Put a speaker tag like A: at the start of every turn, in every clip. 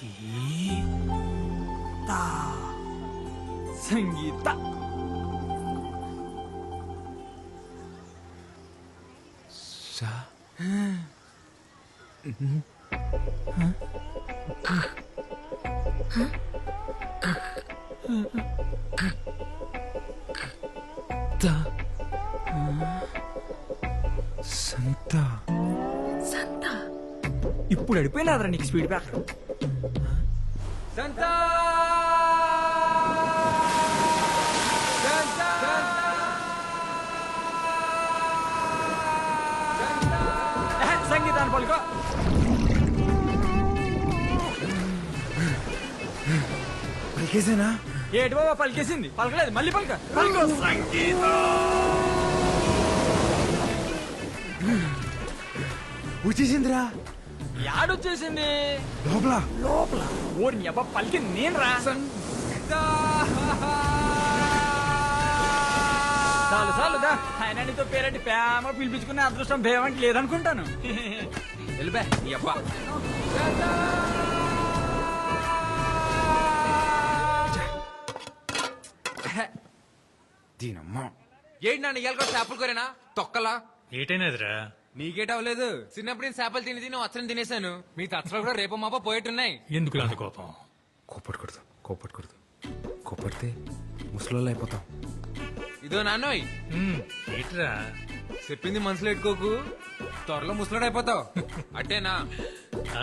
A: సీతా సంగీత
B: సా త సంత
C: సంత
A: ఇప్పుడు అడిపోయినాదరా నీకు స్పీడ్ బ్రేకర్.
B: సంత
A: సంగీతాన్ని పలుకో.
B: పలికేసేనా?
A: ఏటి బాబా పలికేసింది? పలకలేదు, మళ్ళీ పలక. పలుకో.
B: వచ్చేసిందిరా
A: యాడొచ్చేసింది?
B: లోపల.
A: లోపల ఓరి అబ్బా పలికింది నేను రా. చాలు చాలు దా. ఆయన నీతో పేరంటి ప్రేమ పిలిపించుకునే అదృష్టం భేమంటి లేదనుకుంటాను.
B: వెళ్ళిపా నీ అబ్బా. దీనమ్మా ఏంటి నన్ను ఇయ్యాలి కూడా చేపలు కోరేనా తొక్కలా?
D: ఏటైనదిరా?
B: నీకేట అవ్వలేదు. చిన్నప్పుడు నేను చేపలు తిని తిని వచ్చని తినేశాను. మీ తచ్చలు కూడా రేపు మాప పోయేట్టున్నాయి.
D: ఎందుకు అంత కోపం?
B: కోపడకూడదు, కోపడకూడదు. కోపడితే ముసలోళ్ళు అయిపోతాం. ఇదో నాన్నోయ్
D: ఏట్రా?
B: చెప్పింది మనసులో పెట్టుకోకు, త్వరలో ముసలోడు అయిపోతావు. అట్టేనా?
D: ఆ,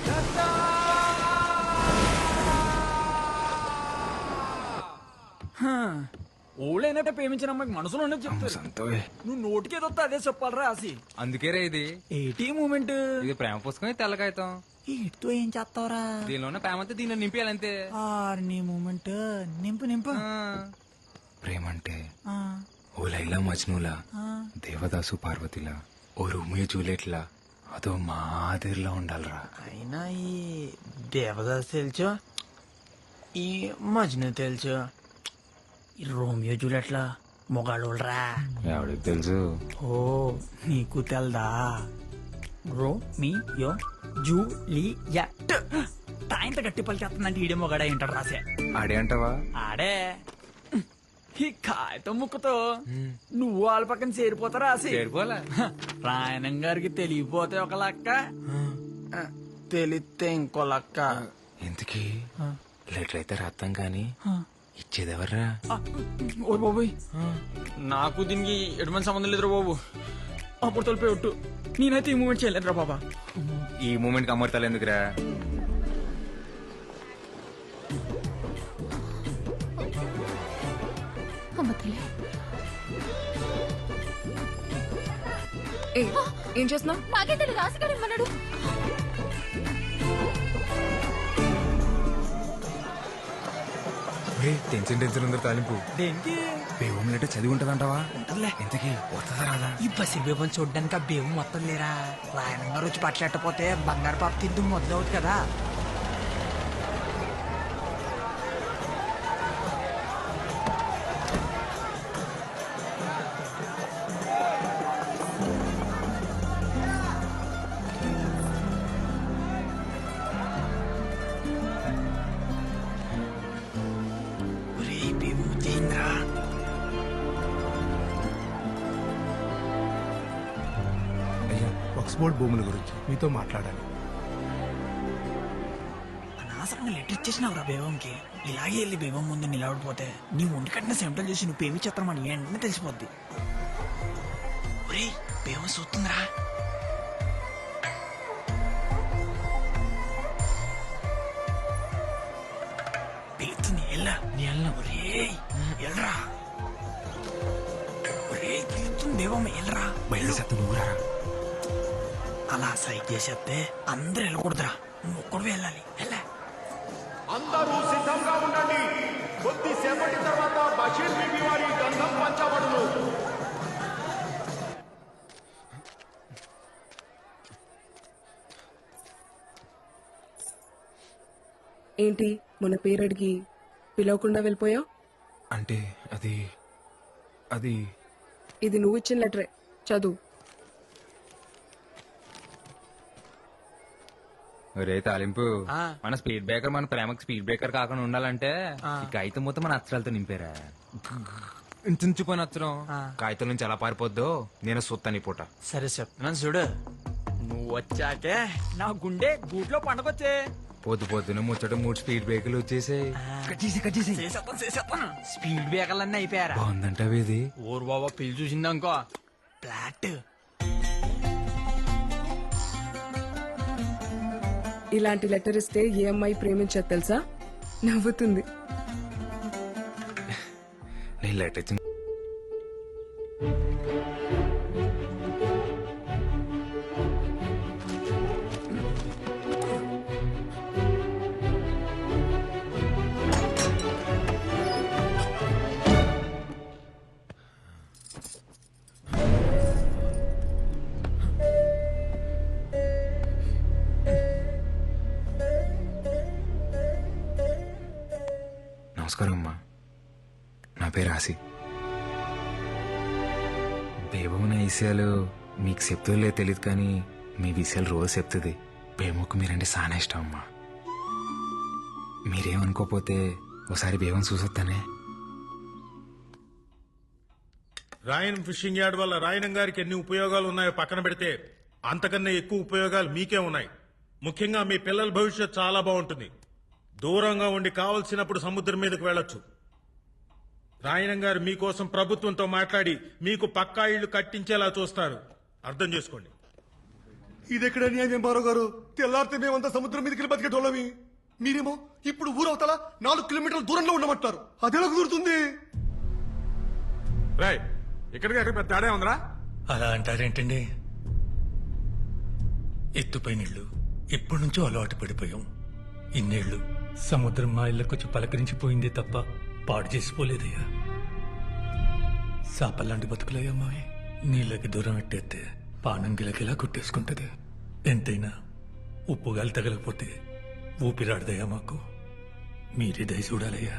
A: ఓళ్ళైనట్టే ప్రేమించిన అమ్మాయికి మనసులో ఉన్నది చెప్తారు. నువ్వు నోటికేదొస్తా అదే చెప్పాలరా ఆసి.
B: అందుకేరే ఇది.
A: ఏటీ మూమెంట్
B: ఇది ప్రేమ పుస్తకం, ఇది తెల్లకాయతాం.
A: ఇటుతో ఏం చేస్తావరా?
B: దీనిలోనే ప్రేమ అంతా దీనిలో నింపేయాలంతే.
A: నీ మూమెంట్ నింపు నింపు.
B: ప్రేమ అంటే
A: ఆ,
B: ఓ లైలా మజ్నులా,
A: ఆ.
B: దేవదాసు పార్వతిలా, ఓ రోమియో జూలియట్లా, అదో మాదిరిలా ఉండాలిరా.
A: అయినా ఈ దేవదాస్ తెలుసు, ఈ మజ్ను తెలుసు, ఈ రోమియో జూలియట్లా మొగాళ్ళోళ్ళరా.
B: ఎవడికి తెలుసు?
A: ఓ నీకు తెల్దా? రోమియో జూలియట్ తాయింత గట్టి పలికేస్తుందంటే ఈడే మొగాడ ఏంటాడు రాసే.
B: ఆడే అంటావా?
A: ఆడే ఈ కాయతో ముక్కుతో నువ్వు వాళ్ళ పక్కన చేరిపోతారా రాసి.
B: చేరిపోలే.
A: రాయణం గారికి తెలియపోతే ఒక లక్క, తెలిస్తే ఇంకో లక్క.
B: ఎందుకీ లెటర్ అయితే రాస్తాం కానీ ఇచ్చేదెవర్రా?
A: ఓ బాబోయ్, నాకు దీనికి ఎటువంటి సంబంధం లేదురా బాబు. అప్పుడు తొలిపోయి ఒట్టు, నేనైతే ఈ మూమెంట్ చేయలేదురా బాబా.
B: ఈ మూమెంట్ కి అమర్తాలు ఎందుకురా?
C: అమ్మ తల్లి. ఏ, ఏం చేస్తున్నావు? నాకే తెలియదు, రాసిగాడు ఇమ్మన్నాడు.
B: టెన్షన్ టెన్షన్ ఉందా తాలింపు?
A: దేనికి?
B: బేవం లెటర్ చదివి ఉంటదంటావా?
A: ఉంటదిలే.
B: ఇంతకీ వస్తుందా రాదా?
A: ఈ బసి బేబం చూడ్డానికి ఆ బేబు మొత్తం లేరా. రాయణం గారు వచ్చి పట్లెట్టపోతే బంగారు పాప తిద్దు మొదలవుతుంది కదా. ఒరేయ్ బేబు వచ్చేసిందిరా.
E: అయ్యా, ఆక్స్ఫోర్డ్ భూముల గురించి మీతో మాట్లాడాలి.
A: అనవసరంగా లెటర్ ఇచ్చేసినావురా బేబంకి. ఇలాగే వెళ్ళి బేబం ముందు నిలబడిపోతే నీ ఒంటి కట్టిన సెంటల్ చేసి నువ్వు పేమి చిత్రమని వెంటనే తెలిసిపోద్ది. ఒరేయ్ బేబం చూస్తుందిరా. పిలుస్తుంది, ఎల్లా నీ ఎల్లా. ఒరేయ్ ఎల్రా. ఒరేయ్ పిలుస్తుంది బేబమ్మ, ఎల్రా.
B: బయలుదేరి నువ్వు రా.
A: అలా సైట్ చేసేస్తే అందరు వెళ్ళకూడదురా, నువ్వు ఒక్కడు వెళ్ళాలి. వెళ్ళా.
F: అందరూ సిద్ధంగా ఉండండి. కొద్దిసేపటి తర్వాత బషీర్ బీబీ వారి గంధం పంచబడును.
G: ఏంటి మన పేరు అడిగి పిలవకుండా వెళ్ళిపోయావు?
B: అంటే అది అది
G: ఇది నువ్వు ఇచ్చిన లెటరే, చదువు.
B: ఒరే తాలింపు మన స్పీడ్ బ్రేకర్ మన ప్రేమకి స్పీడ్ బ్రేకర్ కాకుండా ఉండాలంటే ఈ కాగితం మొత్తం మన అక్షరాలతో నింపారా ఇంచుపోయిన అక్షరం కాగితం నుంచి ఎలా పారిపోద్దో నేను సొత్తని పూట
A: సరే చెప్తున్నాను చూడు, నువ్వు వచ్చాకే నా గుండె గూట్లో పండగొచ్చే.
B: పొద్దు పొద్దున ముచ్చట 3 స్పీడ్ బ్రేకర్లు వచ్చేసాయి.
A: చేసేస్తాను. స్పీడ్ బ్రేకర్లన్నీ అయిపోయారా?
B: బాగుందంటావు ఇది.
A: ఊరు బాబా పిల్లి చూసిందనుకో ఫ్లాట్.
G: ఇలాంటి లెటర్ ఇస్తే ఏ అమ్మాయి ప్రేమించదు తెలుసా? నవ్వుతుంది.
B: నేను లెటర్ ఇచ్చిన నమస్కారం అమ్మా, నా పేరు ఆసి. బేబమ్మ నా విషయాలు మీకు చెప్తుందో తెలియదు కానీ మీ విషయాలు రోజు చెప్తుంది. బేబమ్మకు మీరంటే చాలా ఇష్టం అమ్మా. మీరేమనుకోపోతే ఒకసారి బేబం చూసొస్తానే.
F: రాయన్ ఫిషింగ్ యార్డ్ వల్ల రాయనం గారికి ఎన్ని ఉపయోగాలు ఉన్నాయో పక్కన పెడితే అంతకన్నా ఎక్కువ ఉపయోగాలు మీకే ఉన్నాయి. ముఖ్యంగా మీ పిల్లల భవిష్యత్ చాలా బాగుంటుంది. దూరంగా ఉండి కావలసినప్పుడు సముద్రం మీదకు వెళ్ళొచ్చు. రాయనం గారు మీకోసం ప్రభుత్వంతో మాట్లాడి మీకు పక్కా ఇళ్లు కట్టించేలా చూస్తారు. అర్థం చేసుకోండి.
E: ఇదెక్కడ న్యాయం బారో గారు? తెల్లారితే మేమంతా సముద్రం మీదకి బతికేటోళ్ళమి. మీరేమో ఇప్పుడు ఊరవతల 4 కిలోమీటర్ల దూరంలో ఉండమంటారు. అదెలా కుదురుతుంది?
F: రాయ్, ఇక్కడికి అక్కడ పెద్ద తేడా ఉందిరా.
D: అలా అంటారేంటండి? ఎత్తుపై నీళ్లు ఎప్పటి నుంచో అలవాటు పడిపోయాం. ఇన్నేళ్లు సముద్రం మా ఇళ్ళకొచ్చి పలకరించిపోయిందే తప్ప పాడు చేసిపోలేదయ్యా. సాపల్లాంటి బతుకులయ్యా మావి. నీళ్ళకి దూరం ఎట్టేస్తే పానం గిలకిలా కొట్టేసుకుంటది. ఎంతైనా ఉప్పు గాలి తగలకపోతే ఊపిరాడదయ్యా మాకు. మీరే దయ చూడాలయ్యా.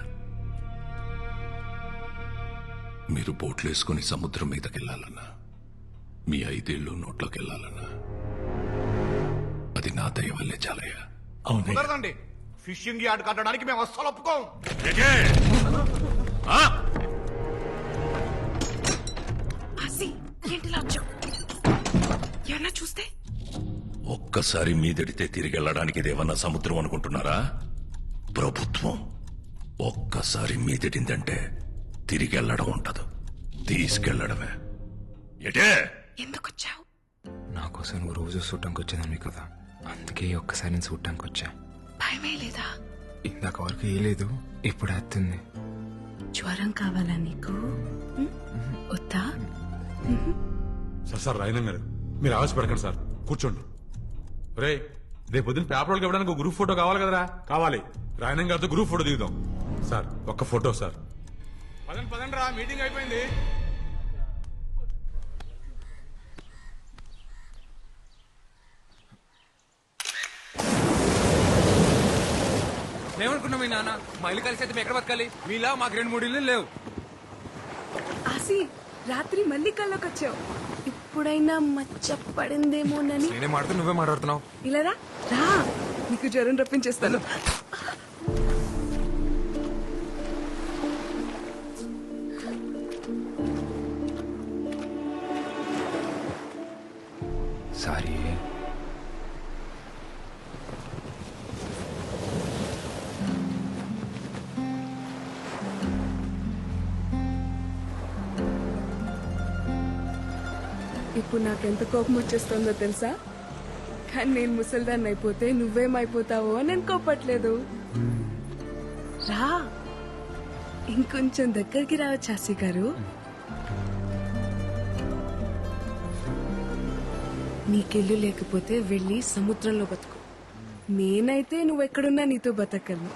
H: మీరు బోట్లేసుకుని సముద్రం మీదకెళ్లాలన్నా, మీ 5 ఏళ్ళు నోట్లోకెళ్లాలన్నా అది నా దయ వల్లే చాలయ్యా.
D: అవునయ్యా.
F: కుదరదండి. ఫిషింగ్ యార్డ్ కట్టడానికి మేము అస్సలు ఒప్పుకోం.
G: ఏమన్నా చూస్తే
H: ఒక్కసారి మీదడితే తిరిగెళ్ళడానికి ఇదేమన్నా సముద్రం అనుకుంటున్నారా? ప్రభుత్వం. ఒక్కసారి మీదడిందంటే తిరిగెళ్ళడం ఉండదు, తీసుకెళ్లడమే. ఎటే
G: ఎందుకొచ్చావు?
B: నా కోసం నువ్వు రోజు చూడటానికి వచ్చేదాన్ని కదా, అందుకే ఒక్కసారి నేను చూడటానికి వచ్చా.
G: భయమే లేదా?
B: ఇందాక వరకు ఏ లేదు, ఇప్పుడు వస్తుంది.
G: జ్వరం కావాలా నీకు? వద్దా?
I: సార్ రాయనం గారు, మీరు ఆవేశపడకండి సార్, కూర్చోండి. రే, రేపు పొద్దున్న పేపర్ వాళ్ళకి ఇవ్వడానికి గ్రూప్ ఫోటో కావాలి కదరా? కావాలి. రాయనం గారితో గ్రూప్ ఫోటో దిగుదాం. సార్ ఒక్క ఫోటో సార్.
F: పదండి పదండి రా, మీటింగ్ అయిపోయింది.
B: ఏమనుకున్నాం మీ నాన్న? మా ఇల్లు కలిసి అయితే ఎక్కడ బతకాలి? మీలా మాకు 2-3 ఇల్లు లేవు.
G: ఆసి, రాత్రి మళ్ళీ కల్లోకి వచ్చావు. ఇప్పుడైనా మచ్చ పడిందేమోనని.
B: నేనే మాట్లాడుతూ నువ్వే మాట్లాడుతున్నావు.
G: ఇలా రా, రా, నీకు జ్వరం రప్పించేస్తాను.
B: సారీ.
G: ఇప్పుడు నాకెంత కోపం వచ్చేస్తుందో తెలుసా? కానీ నేను ముసల్దాన్ని అయిపోతే నువ్వేమైపోతావో అని నేను కోపట్లేదు. రా, ఇంకొంచెం దగ్గరికి రావచ్చు ఆసి గారు. నీకెళ్ళు లేకపోతే వెళ్ళి సముద్రంలో బతుకు. నేనైతే నువ్వెక్కడున్నా నీతో బతకను.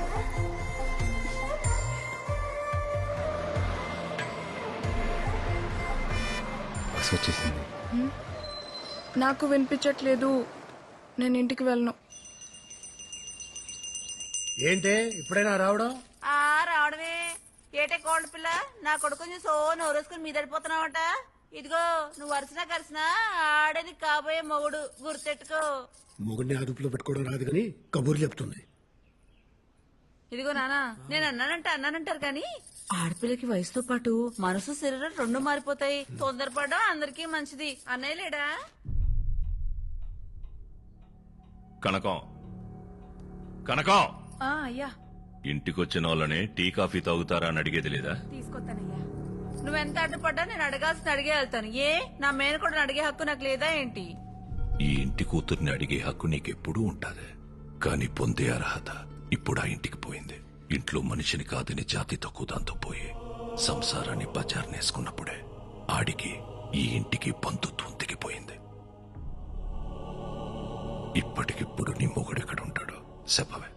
B: బస్ వచ్చేసింది.
G: నాకు వినిపించట్లేదు, నేను ఇంటికి వెళ్ళను.
E: ఏంటే ఇప్పుడైనా రావడం?
J: రావడమే ఏటే కోల్డ్ పిల్ల, నా కొడుకుని సో నోరేసుకుని మీద పడిపోతున్నావట. ఇదిగో నువ్వు వరుసనా కరిసినా ఆడని కాబోయే మొగుడు గుర్తెట్టుకో.
E: మొగుడిని అదుపులో పెట్టుకోవడం రాదు కానీ కబూర్లు చెప్తుంది.
J: ఇదిగో నానా, నేను అన్నానంటారు కానీ ఆడపిల్లకి వయసుతో పాటు మనసు శరీరం రెండు మారిపోతాయి. తొందరపడడం అందరికీ మంచిది. అన్నయ్య లేడా?
H: కనకం కనకం
J: అయ్యా
H: ఇంటికొచ్చిన వాళ్ళని టీ కాఫీ తాగుతారా అని అడిగేది లేదా?
J: తీసుకొస్తానయ్యా. నువ్వెంత అడ్డుపడ్డా నేను అడగాల్సిన అడిగే వెళ్తాను. ఏ నా మేనకోడని అడిగే హక్కు నాకు లేదా ఏంటి?
H: ఈ ఇంటి కూతుర్ని అడిగే హక్కు నీకెప్పుడూ ఉంటాది, కానీ పొందే అర్హత ఇప్పుడు ఆ ఇంటికి పోయింది. ఇంట్లో మనిషిని కాదని జాతి తక్కువ దాంతో పోయి సంసారాన్ని బజార్నేసుకున్నప్పుడే ఆడికి ఈ ఇంటికి బంధుత్వం తెగిపోయింది. ఇప్పటికిప్పుడు నీ మొగుడెక్కడుంటాడో చెప్పవే.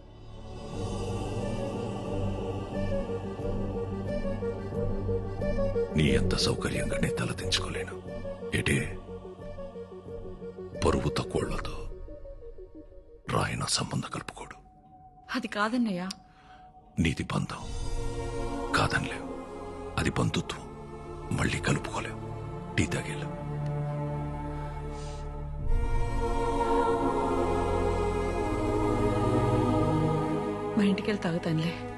H: నీ ఎంత సౌకర్యంగా నీ తల దించుకోలేను. ఏటే పరువు తక్కువళ్లతో రాయన సంబంధం కలుపుకోడు.
J: అది కాదన్నయ్యా.
H: నీది బంధం కాదనిలేవు, అది బంధుత్వం. మళ్ళీ కలుపుకోలేవు. టీ తాగేలా.
J: మా ఇంటికి వెళ్ళి తాగుతానులే.